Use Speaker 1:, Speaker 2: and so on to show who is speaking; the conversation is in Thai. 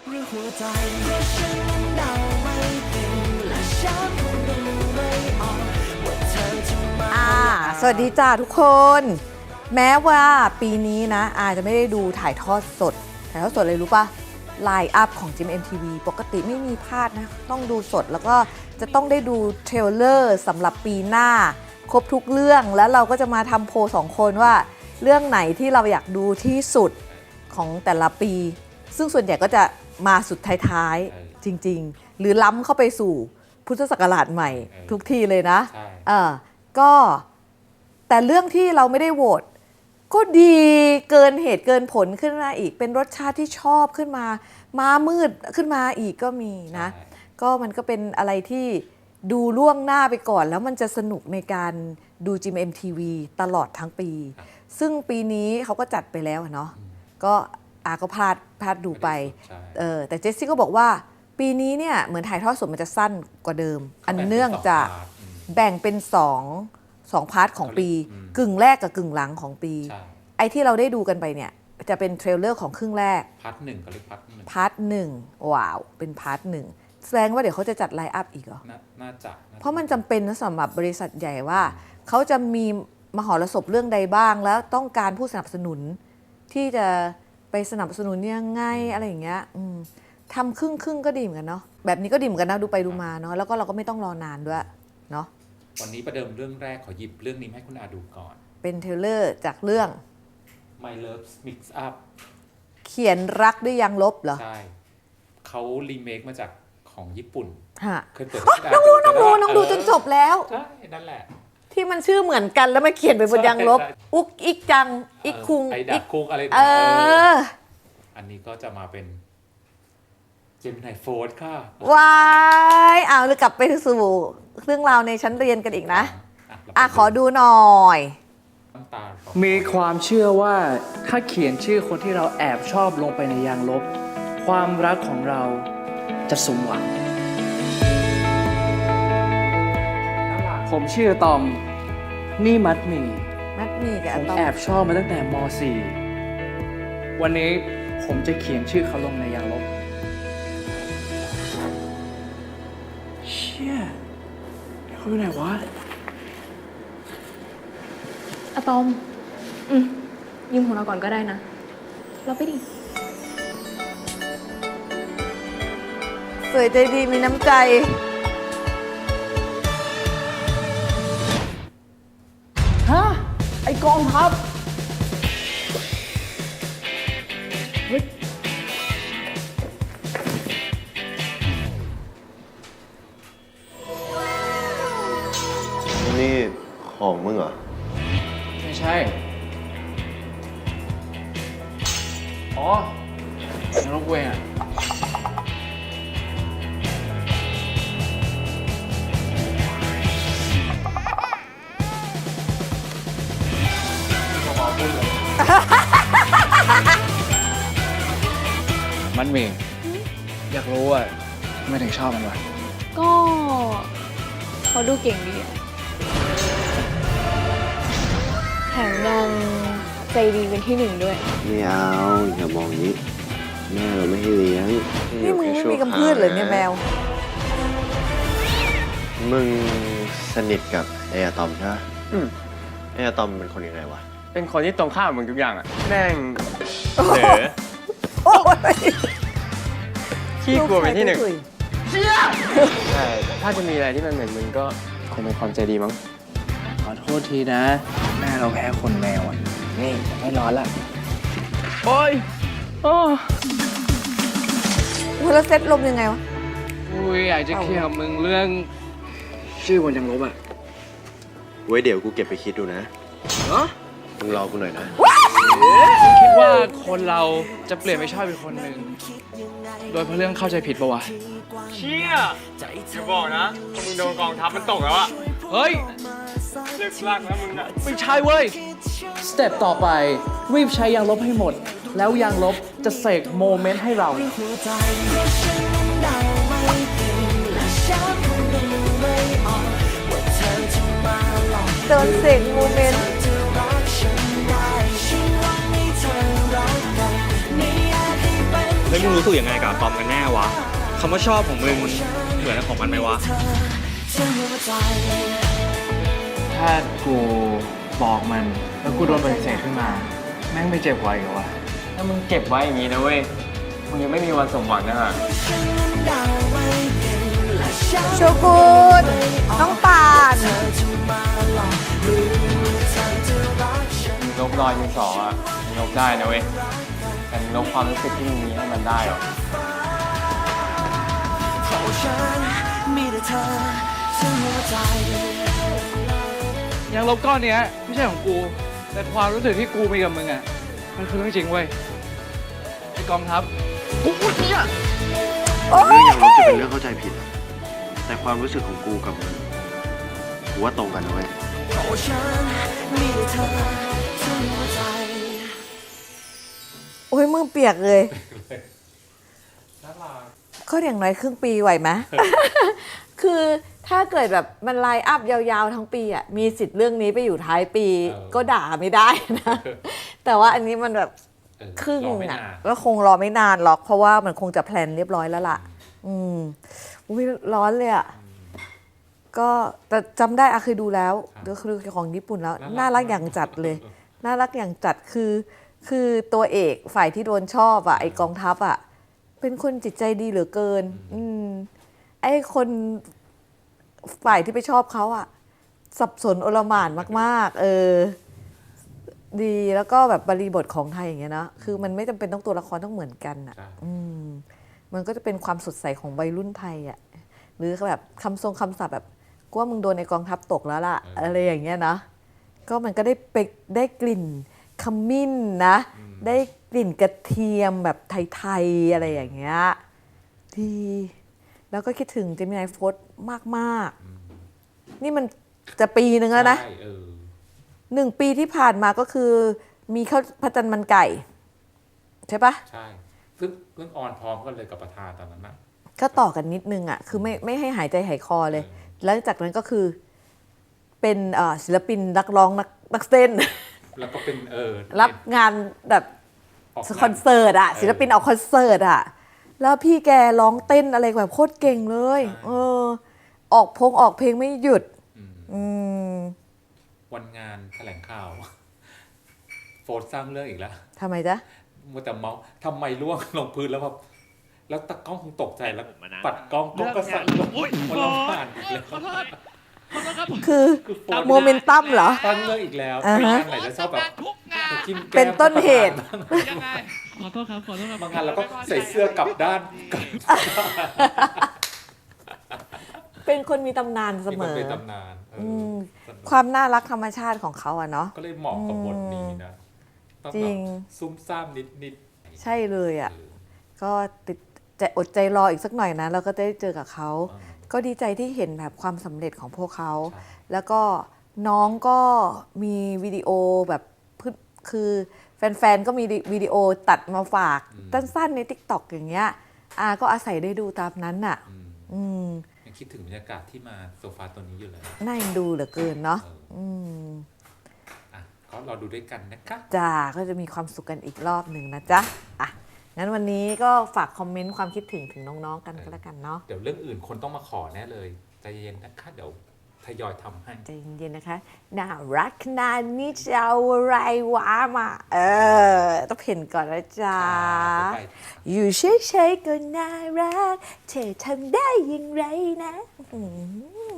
Speaker 1: หรือหัวใจฉันนั้นเดาไม่เป็นและฉันคงดูไม่ออกว่าเธอจะมา
Speaker 2: สวัสดีจ้าทุกคน แม้ว่าปีนี้นะอาจจะไม่ได้ดูถ่ายทอดสดเลยรู้ปะไลน์อัพของจิม MTV ปกติไม่มีพลาดนะต้องดูสดแล้วก็จะต้องได้ดูเทรลเลอร์สำหรับปีหน้าครบทุกเรื่องแล้วเราก็จะมาทำโพล2 คนว่าเรื่องไหนที่เราอยากดูที่สุดของแต่ละปี ซึ่งส่วนใหญ่ก็จะมาสุดท้ายๆจริงๆหรือล้ำเข้าไปสู่พุทธศักราชใหม่ทุกทีเลยนะก็แต่เรื่องที่เราไม่ได้โหวตก็ดีเกินเหตุเกินผลขึ้นมาอีกเป็นรสชาติที่ชอบขึ้นมาม้ามืดขึ้นมาอีกก็มีนะก็มันก็เป็นอะไรที่ดูล่วงหน้าไปก่อนแล้วมันจะสนุกในการดูจิม MTV ตลอดทั้งปีซึ่งปีนี้เขาก็จัดไปแล้วเนาะก็ก็พลาดดูไปแต่เจสซี่ก็บอกว่าปีนี้เนี่ยเหมือนถ่ายทอดสดมันจะสั้นกว่าเดิมอันเนื่องจากแบ่งเป็น2พาร์ทของปีกึ่งแรกกับกึ่งหลังของปีไอ้ที่เราได้ดูกันไปเนี่ยจะเป็นเทรลเลอร์ของครึ่งแรก
Speaker 3: พาร์ทหนึ่งก็เรียก
Speaker 2: พาร์ทหนึ่งว้าวเป็นพาร์ทหนึ่งแสดงว่าเดี๋ยวเขาจะจัดไลน์อัพอีกเหรอ
Speaker 3: น่าจะ
Speaker 2: เพราะมันจำเป็นนะสำหรับบริษัทใหญ่ว่าเขาจะมีมหรสพเรื่องใดบ้างแล้วต้องการผู้สนับสนุนที่จะไปสนับสนุนยังไงอะไรอย่างเงี้ยทำครึ่งก็ดีเหมือนกันเนาะแบบนี้ก็ดีเหมือนกันนะดูไปดูมาเนาะแล้วก็เราก็ไม่ต้องรอนานด้วยเนาะ
Speaker 3: วันนี้ประเดิมเรื่องแรกขอหยิบเรื่องนี้ให้คุณอาดูก่อน
Speaker 2: เป็นเทรลเลอร์จากเรื่อง
Speaker 3: My Love Mix Up
Speaker 2: เขียนรักด้วยยางลบเหรอ
Speaker 3: ใช่เขารีเมคมาจากของญี่ปุ่น
Speaker 2: เคยเปิดน้องดูจนจบแล้ว
Speaker 3: ใช่นั่นแหละ
Speaker 2: ที่มันชื่อเหมือนกันแล้วมาเขียนไปบนยางลบอุกอิกจังอิกคุง
Speaker 3: ไอดักคุงอะไรอันนี้ก็จะมาเป็นเจมินายโฟร์ค่ะ
Speaker 2: ว้ายเลยกลับไปสู่เรื่องราวในชั้นเรียนกันอีกนะขอดูหน่อย
Speaker 4: มีความเชื่อว่าถ้าเขียนชื่อคนที่เราแอบชอบลงไปในยางลบความรักของเราจะสมหวังผมชื่อตอมนี่มัดหมี่
Speaker 2: กับ
Speaker 4: ผมแอบชอบมาตั้งแต่ม .4 วันนี้ผมจะเขียนชื่อเขาลงในยางลบเชี่ยเขาอยู่ไหนวะ
Speaker 5: อะตอมยืมของเราก่อนก็ได้นะเราไปดิ
Speaker 2: สวยใจดีมีน้ำใจ
Speaker 4: ไอกองทัพเฮ้ย
Speaker 6: นี่ของมึงเหรอ
Speaker 4: ไม่ใช่ยังรบเวงมันมีอยากรู้ว่าทำไมถึงชอบมันวะ
Speaker 5: ก็เขาดูเก่งดีแถมยังใจดีเป็นที่1ด้วย
Speaker 6: ไม่เอาอย่ามองนี้แม่เราไม่ให้เลี้ยง
Speaker 2: นี่มึงไม่มีกำพืชเลยเนี่ยแมว
Speaker 6: มึงสนิทกับไออะตอมใช่ไหมไออะตอมเป็นคนยังไงวะ
Speaker 4: เป็นคนที่ตรงข้ามมึงทุกอย่างอ่ะแม่งขี้กลัวเป็นที่1เชี่ยใช่ถ้าจะมีอะไรที่มันเหมือนมึงก็คงเป็นความใจดีมั้งขอโทษทีนะแม่เราแพ้คนแมวอ่ะนี่ไม่ร้อนละโอ้ย
Speaker 2: แล้วเซ็ตลมยังไงวะ
Speaker 4: อยากจะเคลียร์กับมึงเรื่องชื่อบนยังลบอ่ะ
Speaker 6: ไว้เดี๋ยวกูเก็บไปคิดดูนะมึงรอกูหน่อยนะ
Speaker 4: คิดว่าคนเราจะเปลี่ยนไปชอบอีกคนหนึ่งโดยเพราะเรื่องเข้าใจผิดปะวะเชี่ยจะบอกนะมึงโดนกองทัพมันตกแล้วอะเฮ้ยเลิกลากนะมึงอะไม่ใช่เว้ยสเต็ปต่อไปรีบใช้ยางลบให้หมดแล้วยางลบจะเสกโมเมนต์ให้เรา
Speaker 2: โดนเสกโมเมนต์
Speaker 4: ลแล้วมึงรู้สึกยังไงกับอะตอมกันแน่วะคำว่าชอบของมึงเหมือนของมันไหมวะ ถ้ากูบอกมันแล้วกูโดนปฏิเสธขึ้นมาแม่งไม่เจ็บไว้เหรอวะถ้ามึงเก็บไว้อย่างนี้นะเว้ยมึงยังไม่มีวันสมหวังนะฮะ
Speaker 2: โชกุนน้องป่าน
Speaker 4: ลบรอยดินสออ่ะมึงลบได้นะเว้ยแต่มึงลบความรู้สึกที่มึงมีให้มันได้หรอยังลบก้อนเนี้ยไม่ใช่ของกู แต่ความรู้สึกที่กูมีกับมึงอ่ะมันคือเรื่องจริงเว้ยไอ้กองทัพกูเนี่ย
Speaker 2: โอ้
Speaker 6: เรื่อง
Speaker 2: ย
Speaker 6: อย่างลบจะเป็นเรื่องเข้าใจผิด แต่ความรู้สึกของกูกับมึงกูว่าตรงกันนะเว้ย
Speaker 2: โอ้ยมือเปียกเลย
Speaker 3: น่ารัก
Speaker 2: ก็อย่างน้อยครึ่งปีไหวไหม คือถ้าเกิดแบบมันไลน์อัพยาวๆทั้งปีอ่ะมีสิทธิ์เรื่องนี้ไปอยู่ท้ายปี ก็ด่าไม่ได้นะ แต่ว่าอันนี้มันแบบ ครึ่ง
Speaker 3: รอไม่
Speaker 2: อ่ะ
Speaker 3: นาน
Speaker 2: ก็คงรอไม่นานหรอก เพราะว่ามันคงจะแพลนเรียบร้อยแล้วล่ะ อุ้ยร้อนเลยอ่ะ ก็แต่จำได้อะเคยดูแล้วก็คือของญี่ปุ่นแล้ว น่ารักอย่างจัดเลย น่ารักอย่างจัดคือตัวเอกฝ่ายที่โดนชอบอ่ะไอกองทัพอ่ะเป็นคนจิตใจดีเหลือเกิน ไอ้คนฝ่ายที่ไปชอบเขาอ่ะ สับสนโอลหม่านมากๆ ดีแล้วก็แบบบริบทของไทยอย่างเงี้ยนะคือมันไม่จำเป็นต้องตัวละครต้องเหมือนกันอ่ะ
Speaker 3: ใช่
Speaker 2: มันก็จะเป็นความสดใสของวัยรุ่นไทยอ่ะหรือแบบคำทรงคำศัพท์แบบกูว่ามึงโดนในกองทัพตกแล้วล่ะ อะไรอย่างเงี้ยนะก็มันก็ได้กลิ่นขมิ้นนะ ได้กลิ่นกระเทียมแบบไทยๆอะไรอย่างเงี้ยดีแล้วก็คิดถึงเจมินายโฟร์มากๆนี่มันจะปีนึงแล้วนะ
Speaker 3: ใช่
Speaker 2: 1 ปีที่ผ่านมาก็คือมีข้าวพระจันทร์มันไก่ ใช่ปะ
Speaker 3: ใช่ซึ่งเพิ่งออนพร้อมกันเลยกับประธานตอนนั้นนะ
Speaker 2: ก็ต่อกันนิดนึงอ่ะคือไม่ให้หายใจหายคอเลย แล้วจากนั้นก็คือเป็นศิลปินนักร้องนักเต้น
Speaker 3: แล้วก็เป็น
Speaker 2: รับงานแบบ
Speaker 3: ออก
Speaker 2: คอนเสิร์ตอ่ะศิลปินออกคอนเสิร์ตอ่ะแล้วพี่แกร้องเต้นอะไรแบบโคตรเก่งเลยออกเพลงไม่หยุด
Speaker 3: วันงานแถลงข่าว โฟร์สร้างเรื่องอีกแล้ว
Speaker 2: ทำไมจ๊ะ
Speaker 3: มัวแต่เมาส์ทำไมล่วงลงพื้นแล้วแบบแล้วตากล้องคงตกใจแล้วปัดกล้องก็สั่นลงคนละผ่านอีกแล้ว
Speaker 2: คือ
Speaker 3: โฟร์
Speaker 2: โมเมนตัมเหรอ
Speaker 3: สร้างเรื่องอีกแล้ว
Speaker 2: อ่าฮะ
Speaker 3: งานไหนจะชอบแบบไปจิ้มแก้ม
Speaker 2: เป็นต้นเหตุ
Speaker 4: ยังไงขอโทษครับ
Speaker 3: บางงานเราก็ใส่เสื้อกลับด้านกลับ
Speaker 2: เป็นคนมีตำนานเสม
Speaker 3: มีคน
Speaker 2: อ
Speaker 3: เป็นตำนานสนุก
Speaker 2: ความน่ารักธรรมชาติของเขาอะเนาะ
Speaker 3: ก็เลยเหมาะกับบทนี้นะต้อง
Speaker 2: จริ
Speaker 3: แบบ
Speaker 2: ง
Speaker 3: ซุ่มซ่ามนิด
Speaker 2: ใช่เลยอะก็ติดใจอดใจรออีกสักหน่อยนะเราก็จะได้เจอกับเขา ก็ดีใจที่เห็นแบบความสำเร็จของพวกเขา แล้วก็น้องก็มีวิดีโอแบบคือแฟนๆ ก็มีวิดีโอตัดมาฝากสั้นๆใน TikTok อย่างเงี้ยก็อาศัยได้ดูตามนั้นน่ะ
Speaker 3: ยังคิดถึงบรรยากาศที่มาโซฟาตัวนี้อยู่เลย
Speaker 2: น่าเอ็นดูเหลือเกินเนาะ
Speaker 3: ก็รอดูด้วยกันนะคะ
Speaker 2: จ้าก็จะมีความสุขกันอีกรอบหนึ่งนะจ๊ะงั้นวันนี้ก็ฝากคอมเมนต์ความคิดถึงน้องๆกันก็แล้วกันเนาะ
Speaker 3: เดี๋ยวเรื่องอื่นคนต้องมาขอแน่เลยใจเย็นนะคะเดี๋ยวทยอยทำให้
Speaker 2: ใจเย็นๆนะคะน่ารักขนาดนี้จะเอาอะไรวะมาต้องเพ่นก่อนนะจ๊ะ
Speaker 3: ไป
Speaker 2: อยู่เฉยๆก็น่ารักเธอทำได้อย่างไรนะ